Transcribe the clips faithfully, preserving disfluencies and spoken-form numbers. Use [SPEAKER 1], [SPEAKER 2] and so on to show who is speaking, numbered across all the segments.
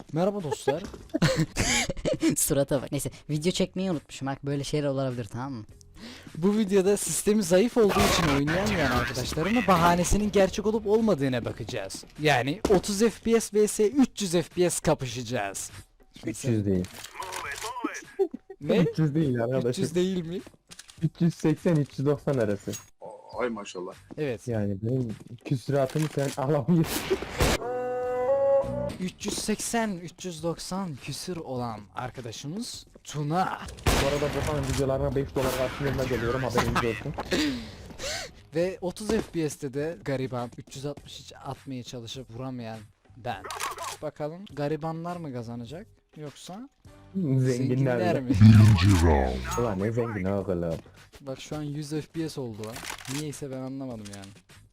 [SPEAKER 1] Merhaba dostlar. Surata bak. Neyse, video çekmeyi unutmuşum. Bak böyle şeyler olabilir, tamam mı? Bu videoda sistemi zayıf olduğu için oynayamayan arkadaşlarımın bahanesinin gerçek olup olmadığına bakacağız. Yani otuz F P S vs üç yüz F P S kapışacağız.
[SPEAKER 2] üç yüz değil.
[SPEAKER 1] Ne?
[SPEAKER 2] üç yüz değil arkadaşım.
[SPEAKER 1] üç yüz değil mi?
[SPEAKER 2] üç yüz seksen üç yüz doksan arası.
[SPEAKER 3] Ay maşallah.
[SPEAKER 1] Evet.
[SPEAKER 2] Yani benim küsuratımı sen alamıyorsun.
[SPEAKER 1] üç yüz seksen üç yüz doksan küsür olan arkadaşımız Tuna.
[SPEAKER 2] Bu arada bu falan videolarına beş dolar karşılığında geliyorum, haberiniz olsun.
[SPEAKER 1] Ve otuz F P S'te de gariban üç yüz altmış hiç atmaya çalışıp vuramayan ben. Bakalım garibanlar mı kazanacak yoksa
[SPEAKER 2] Zenginler,
[SPEAKER 1] zenginler
[SPEAKER 2] mi?
[SPEAKER 1] mi?
[SPEAKER 2] Ulan ne zengin oğlum.
[SPEAKER 1] Bak şu an yüz F P S oldu lan. Niyeyse ben anlamadım yani.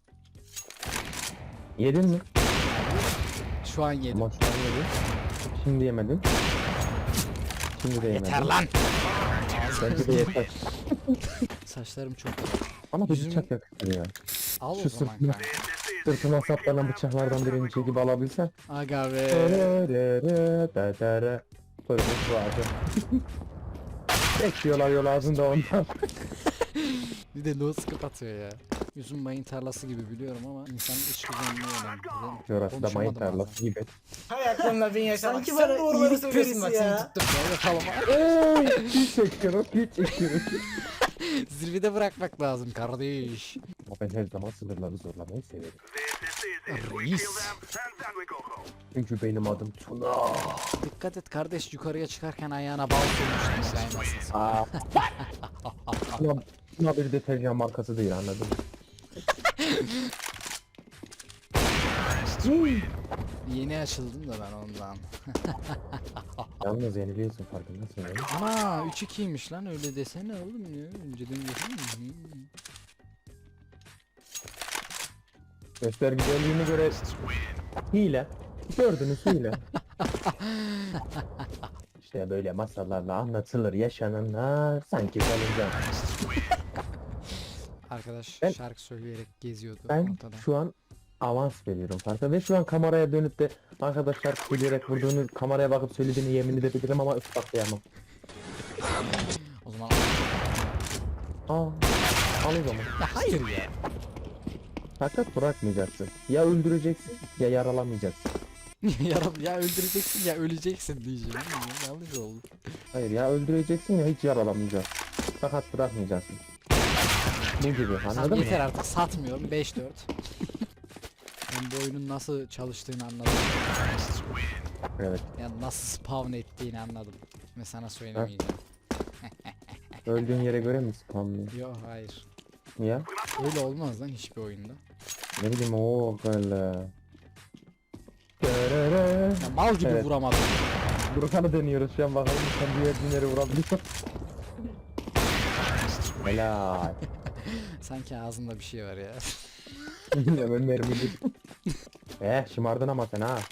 [SPEAKER 2] Yedin mi?
[SPEAKER 1] Şu an yedim.
[SPEAKER 2] Ama şu an yedin. Şimdi yemedin. Şimdi de yemedin.
[SPEAKER 1] Yeter lan.
[SPEAKER 2] Bence de yeter.
[SPEAKER 1] Saçlarım çok.
[SPEAKER 2] Ama bir
[SPEAKER 1] Yüzüm-
[SPEAKER 2] bıçak yakışır ya.
[SPEAKER 1] Al o
[SPEAKER 2] Şu
[SPEAKER 1] zaman
[SPEAKER 2] sırtına-
[SPEAKER 1] kanka.
[SPEAKER 2] Sırtına saplanan bıçaklardan birini çekip alabilsen.
[SPEAKER 1] Aga be.
[SPEAKER 2] Fırınız vardı. Bekliyorlar yol ağzında ondan.
[SPEAKER 1] Bir de no scope atıyor ya. Yüzüm mayın tarlası gibi biliyorum ama insanın iç güvenliği önemli.
[SPEAKER 2] Orası da mayın
[SPEAKER 1] Konuşamadım
[SPEAKER 2] tarlası gibi.
[SPEAKER 4] Hay aklınla bin yaşamak.
[SPEAKER 5] Sanki
[SPEAKER 4] Sen
[SPEAKER 5] bana
[SPEAKER 4] doğruları
[SPEAKER 5] iyilik
[SPEAKER 4] söylüyorsun bak
[SPEAKER 5] perisi
[SPEAKER 4] seni
[SPEAKER 5] ya.
[SPEAKER 4] tuttum.
[SPEAKER 1] Gel bakalım.
[SPEAKER 2] Eee, hiç çekiyorum, hiç çekiyorum.
[SPEAKER 1] Zirvede bırakmak lazım kardeş.
[SPEAKER 2] Ama ben her zaman sınırları zorlamayı severim.
[SPEAKER 1] Reis.
[SPEAKER 2] Çünkü benim adım Tuna.
[SPEAKER 1] Dikkat et kardeş, yukarıya çıkarken ayağına bal sürmüştün saymasın.
[SPEAKER 2] Aa. Tuna, Tuna bir deterjan markası değil, anladın mı?
[SPEAKER 1] Yeni açıldım da ben ondan.
[SPEAKER 2] Yalnız yeniliyorsun, farkındasın değil mi?
[SPEAKER 1] Ana üç ikiymiş lan, öyle desene oğlum ya. Önceden desene.
[SPEAKER 2] Göstergelerine göre hile. Gördünüz hile. İşte böyle masallarla anlatılır yaşananlar, sanki kalınca.
[SPEAKER 1] Arkadaş
[SPEAKER 2] Ben-
[SPEAKER 1] şarkı söyleyerek geziyordu
[SPEAKER 2] Ben
[SPEAKER 1] ortada.
[SPEAKER 2] şu an avans veriyorum farkında ve şu an kameraya dönüp de arkadaşlar söyleyerek vurduğunu, kameraya bakıp söylediğini yemin edebilirim ama ispatlayamam.
[SPEAKER 1] O zaman
[SPEAKER 2] Aa, al o zaman.
[SPEAKER 1] ya hayır ya.
[SPEAKER 2] Fakat bırakmayacaksın. Ya öldüreceksin ya yaralamayacaksın.
[SPEAKER 1] ya, ya öldüreceksin ya öleceksin diyeceğim. Ya, yanlış oldu.
[SPEAKER 2] Hayır, ya öldüreceksin ya hiç yaralamayacaksın. Fakat bırakmayacaksın. Bu gibi,
[SPEAKER 1] Tamam,
[SPEAKER 2] anladın mı?
[SPEAKER 1] yeter artık, satmıyorum. beş dört. Ben bu oyunun nasıl çalıştığını anladım.
[SPEAKER 2] Evet.
[SPEAKER 1] Yani nasıl spawn ettiğini anladım. Ve sana söylemeyeceğim.
[SPEAKER 2] Öldüğün yere göre mi spamlıyor?
[SPEAKER 1] Yok hayır.
[SPEAKER 2] Ya?
[SPEAKER 1] Öyle olmaz lan hiçbir oyunda.
[SPEAKER 2] Ne bileyim, o böyle.
[SPEAKER 1] Ya mal gibi
[SPEAKER 2] Evet.
[SPEAKER 1] vuramadım.
[SPEAKER 2] Burkan'ı deniyoruz şu an, bakalım sen diğer dinleri vurabiliyor. Helal.
[SPEAKER 1] Sanki ağzında bir şey var ya.
[SPEAKER 2] Hemen mermili. Eh, şımardın ama sen ha.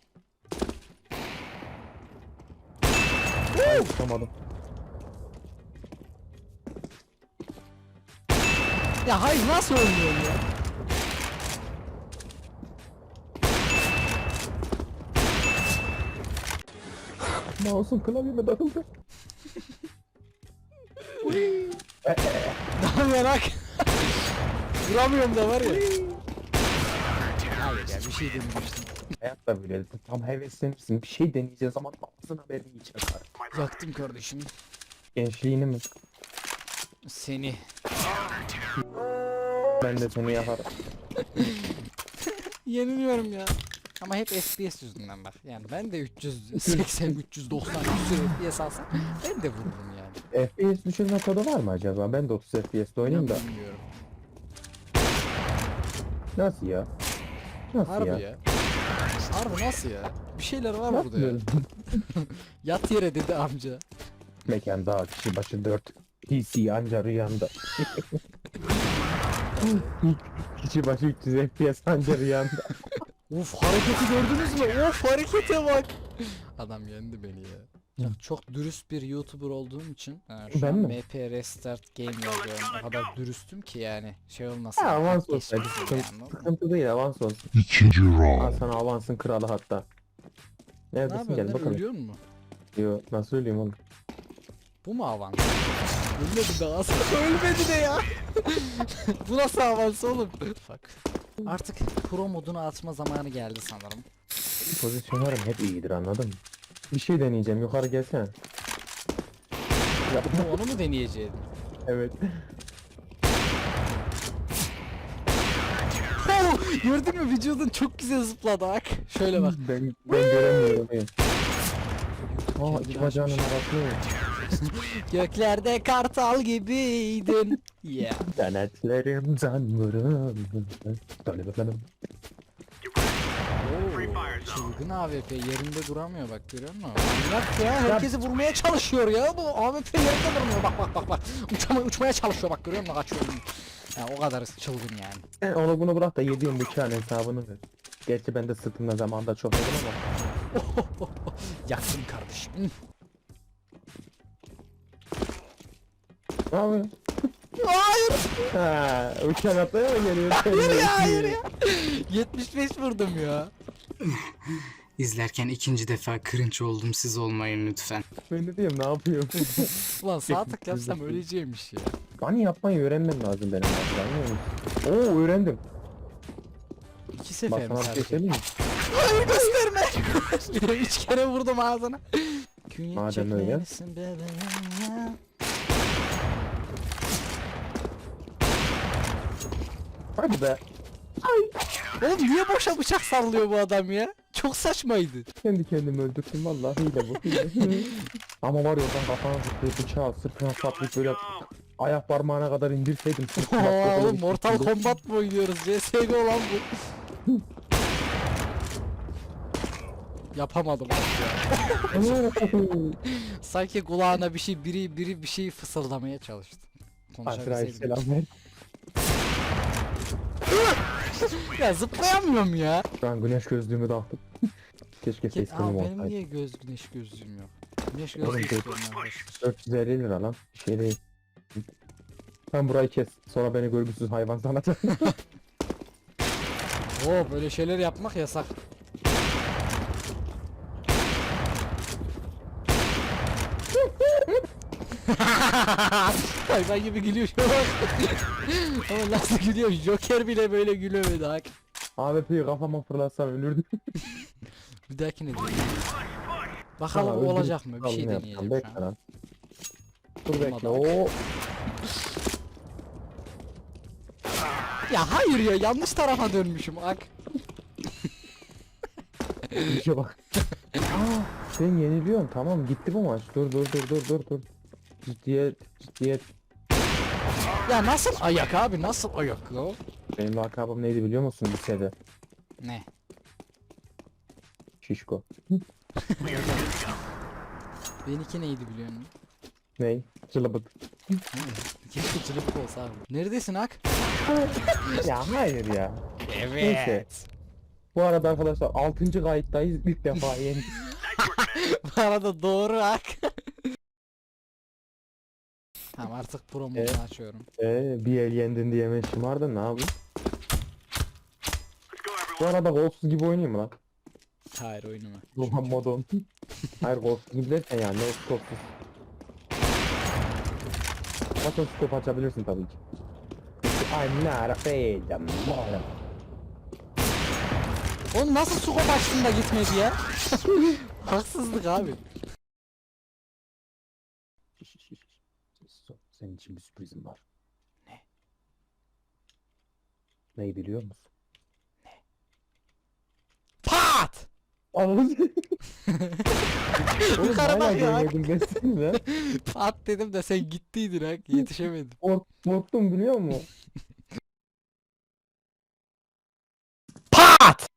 [SPEAKER 2] Ay, tutamadım.
[SPEAKER 1] Ya hayır, nasıl oynuyorsun ya?
[SPEAKER 2] Mouse'um klavyeme takıldı.
[SPEAKER 1] Daha merak. Vuramıyorum da var ya. Hayır ya, bir şey denemiştim.
[SPEAKER 2] Hayatta böyle tam heveslenirsin, bir şey deneyeceğiz ama ağzın haberini geçer.
[SPEAKER 1] Yaktım kardeşim.
[SPEAKER 2] Gençliğini mi?
[SPEAKER 1] Seni.
[SPEAKER 2] Ben de seni yaparım.
[SPEAKER 1] Yeniliyorum ya. Ama hep F P S yüzünden bak. Yani ben de üç yüz seksen üç yüz doksan küsur F P S alsam ben de vururum yani.
[SPEAKER 2] F P S düşürme kodu var mı acaba? Ben de otuz F P S'de oynayayım da.
[SPEAKER 1] Bilmiyorum.
[SPEAKER 2] Nasıl ya? Nasıl
[SPEAKER 1] Harbi
[SPEAKER 2] ya?
[SPEAKER 1] ya. Harbi nasıl ya? Bir şeyler var
[SPEAKER 2] Nasıl
[SPEAKER 1] burada ya.
[SPEAKER 2] böyle?
[SPEAKER 1] Yat yere dedi amca.
[SPEAKER 2] Mekanda kişi başı dört. P C anca rüyanda. Kişi başı üç yüz F P S anca rüyanda.
[SPEAKER 1] Uf, hareketi gördünüz mü? Of, harekete bak. Adam yendi beni ya. Ya çok dürüst bir YouTuber olduğum için ha, şu
[SPEAKER 2] Ben
[SPEAKER 1] an
[SPEAKER 2] mi?
[SPEAKER 1] M P Restart Game yazıyorum. O kadar dürüstüm ki yani şey olmasın.
[SPEAKER 2] Ha, avans
[SPEAKER 1] hak
[SPEAKER 2] olsaydı
[SPEAKER 1] geçmesin
[SPEAKER 2] sıkıntı,
[SPEAKER 1] yani, anladın mı?
[SPEAKER 2] sıkıntı değil, avans olsun.
[SPEAKER 6] İkinci
[SPEAKER 2] Al
[SPEAKER 6] round.
[SPEAKER 2] sana avansın kralı hatta.
[SPEAKER 1] Ne
[SPEAKER 2] Neredesin
[SPEAKER 1] yapıyorsun
[SPEAKER 2] gel
[SPEAKER 1] lan,
[SPEAKER 2] bakalım.
[SPEAKER 1] ölüyor mu?
[SPEAKER 2] Yo nasıl öleyim oğlum?
[SPEAKER 1] Bu mu avans? Ölmedi de aslında ölmedi de ya. Bu nasıl avans oğlum? Fuck. Artık pro modunu açma zamanı geldi sanırım.
[SPEAKER 2] Pozisyonlarım hep iyidir anladın mı? Bir şey deneyeceğim yukarı gelsene. Ya,
[SPEAKER 1] Bu onu mu deneyeceğim?
[SPEAKER 2] evet.
[SPEAKER 1] Oh, gördün mü vücudun çok güzel zıpladı bak. Şöyle bak.
[SPEAKER 2] Ben, ben göremiyorum. iyi. Aa
[SPEAKER 1] Kendini
[SPEAKER 2] iki bacağının
[SPEAKER 1] açmış.
[SPEAKER 2] arasını.
[SPEAKER 1] Göklerde kartal gibiydin. Yeah.
[SPEAKER 2] Denetlerim can vurur. Söyle bakalım.
[SPEAKER 1] Oo, çılgın A W P yerinde duramıyor bak, görüyor musun? Bak ya, herkesi vurmaya çalışıyor ya, bu A W P yerinde durmuyor, bak bak bak bak. Uçama, uçmaya çalışıyor bak, görüyor musun, kaçıyor. Ya o kadar çılgın yani.
[SPEAKER 2] Sen onu bunu bırak da yediğim bıçağın hesabını ver. Gerçi ben de sırtımda zamanda çok yedim ama.
[SPEAKER 1] Yaktım kardeşim.
[SPEAKER 2] Ne yapıyorsun?
[SPEAKER 1] Hayır.
[SPEAKER 2] Ha, uçan atlaya mı geliyor?
[SPEAKER 1] Hayır ya, hayır ya. yetmiş beş vurdum ya.
[SPEAKER 3] İzlerken ikinci defa cringe oldum, siz olmayın lütfen.
[SPEAKER 2] Ben de diyeyim ne yapıyorum?
[SPEAKER 1] Ulan sağ tık yapsam öleceğimmiş ya.
[SPEAKER 2] Bani yapmayı öğrenmem lazım benim artık, anlıyor musun? Oo öğrendim.
[SPEAKER 1] İki
[SPEAKER 2] Bak
[SPEAKER 1] sefer mi
[SPEAKER 2] sana bir şey
[SPEAKER 1] sadece?
[SPEAKER 2] söyleyeyim mi?
[SPEAKER 1] Hayır gösterme. Bir de üç kere vurdum ağzına. Künye
[SPEAKER 2] Madem öyle.
[SPEAKER 1] çekmelisin bebeğim ya.
[SPEAKER 2] Hadi be.
[SPEAKER 1] Oğlum niye boşa bıçak sallıyor bu adam ya? Çok saçmaydı.
[SPEAKER 2] Kendi kendimi öldürdüm vallahi hile bu hile. Ama var ya oradan kafana zıplayıp bıçağı sırtına saplayıp böyle ayak parmağına kadar indirseydim. sırtıma
[SPEAKER 1] Oo,
[SPEAKER 2] böyle
[SPEAKER 1] oğlum
[SPEAKER 2] bir
[SPEAKER 1] Mortal
[SPEAKER 2] şekilde-
[SPEAKER 1] Kombat mı oynuyoruz? C S G O lan bu. Yapamadım bak ya. Sanki kulağına bir şey, biri biri bir şey fısıldamaya çalıştı.
[SPEAKER 2] Azrail
[SPEAKER 1] Konuşabilseydim.
[SPEAKER 2] selam ver.
[SPEAKER 1] Ya zıplayamıyorum ya.
[SPEAKER 2] Şu an güneş gözlüğümü taktım. Keşke
[SPEAKER 1] Ke-
[SPEAKER 2] ses
[SPEAKER 1] Aa,
[SPEAKER 2] tonum
[SPEAKER 1] benim
[SPEAKER 2] olsaydı.
[SPEAKER 1] niye göz güneş gözlüğüm yok? Güneş
[SPEAKER 2] Oğlum,
[SPEAKER 1] gözlüğü
[SPEAKER 2] dur.
[SPEAKER 1] istiyorum arkadaşlar.
[SPEAKER 2] dört yüz elli lira lan. Bir şey değil. Sen burayı kes. Sonra beni görgüsüz hayvan sanacak.
[SPEAKER 1] Oo, böyle şeyler yapmak yasak. Hayvan gibi gülüyor şu an. Ama nasıl gülüyor? Joker bile böyle gülüyordu hak.
[SPEAKER 2] A W P'yi kafama fırlatsam ölürdüm.
[SPEAKER 1] Bir dahakine diyelim. Bakalım
[SPEAKER 2] Sana
[SPEAKER 1] o olacak mı? Bir
[SPEAKER 2] öldürüp
[SPEAKER 1] şey
[SPEAKER 2] kalını
[SPEAKER 1] deneyeceğim
[SPEAKER 2] yapacağım.
[SPEAKER 1] şu
[SPEAKER 2] Bekle
[SPEAKER 1] an.
[SPEAKER 2] lan. Dur bekle.
[SPEAKER 1] Olmadı.
[SPEAKER 2] Oo.
[SPEAKER 1] Ya hayır ya, yanlış tarafa dönmüşüm ak.
[SPEAKER 2] İşe bak. Aa, ben yeniliyorum. Tamam gitti bu maç. Dur dur dur dur dur dur. Ciddiyet ciddiyet.
[SPEAKER 1] Ya nasıl ayak abi, nasıl ayak ya?
[SPEAKER 2] Benim lakabım neydi biliyor musun lisede?
[SPEAKER 1] Ne?
[SPEAKER 2] Şişko.
[SPEAKER 1] Benimki neydi biliyor musun?
[SPEAKER 2] Ney? Cılabıt.
[SPEAKER 1] Keşke çılık olsa abi. Neredesin ak?
[SPEAKER 2] Ya hayır ya.
[SPEAKER 1] Evet.
[SPEAKER 2] Neyse. Bu arada arkadaşlar altıncı kayıttayız. İlk defa yendik.
[SPEAKER 1] Bu arada doğru ak. Tamam, artık pro modunu
[SPEAKER 2] Evet.
[SPEAKER 1] açıyorum.
[SPEAKER 2] Eee bir el yendin diye hemen şımardın ne yapayım? Bu arada golsuz gibi oynayayım mı lan?
[SPEAKER 1] Hayır, oyunuma.
[SPEAKER 2] Roman modon. Hayır golsuz gibi derken yani no scope'suz. Bakın scope açabilirsin tabii ki. I'm not afraid of modern.
[SPEAKER 1] Oğlum nasıl su açtın da gitmedi ya? Haksızlık abi.
[SPEAKER 2] Senin için bir sürprizim var. Ne? Neyi biliyor musun?
[SPEAKER 1] Pat!
[SPEAKER 2] Anladın mı? Oğlum
[SPEAKER 1] Yukarı
[SPEAKER 2] hala
[SPEAKER 1] bak ya.
[SPEAKER 2] görmedim desene lan.
[SPEAKER 1] Pat dedim de sen gittiydin ha, yetişemedim.
[SPEAKER 2] Kork, korktum biliyor musun?
[SPEAKER 1] Pat!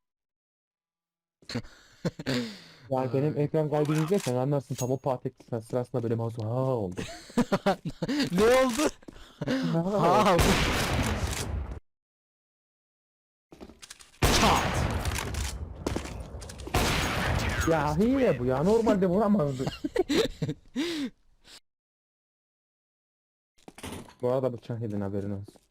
[SPEAKER 2] Yani benim ekran kaydını izlersen anlarsın tam o patek sırasında böyle mouse ha oldu.
[SPEAKER 1] Ne oldu?
[SPEAKER 2] Ha.
[SPEAKER 1] Ha. Çat.
[SPEAKER 2] Ya hile bu ya normalde vuramazdı. Bu arada bıçak yedin haberin olsun.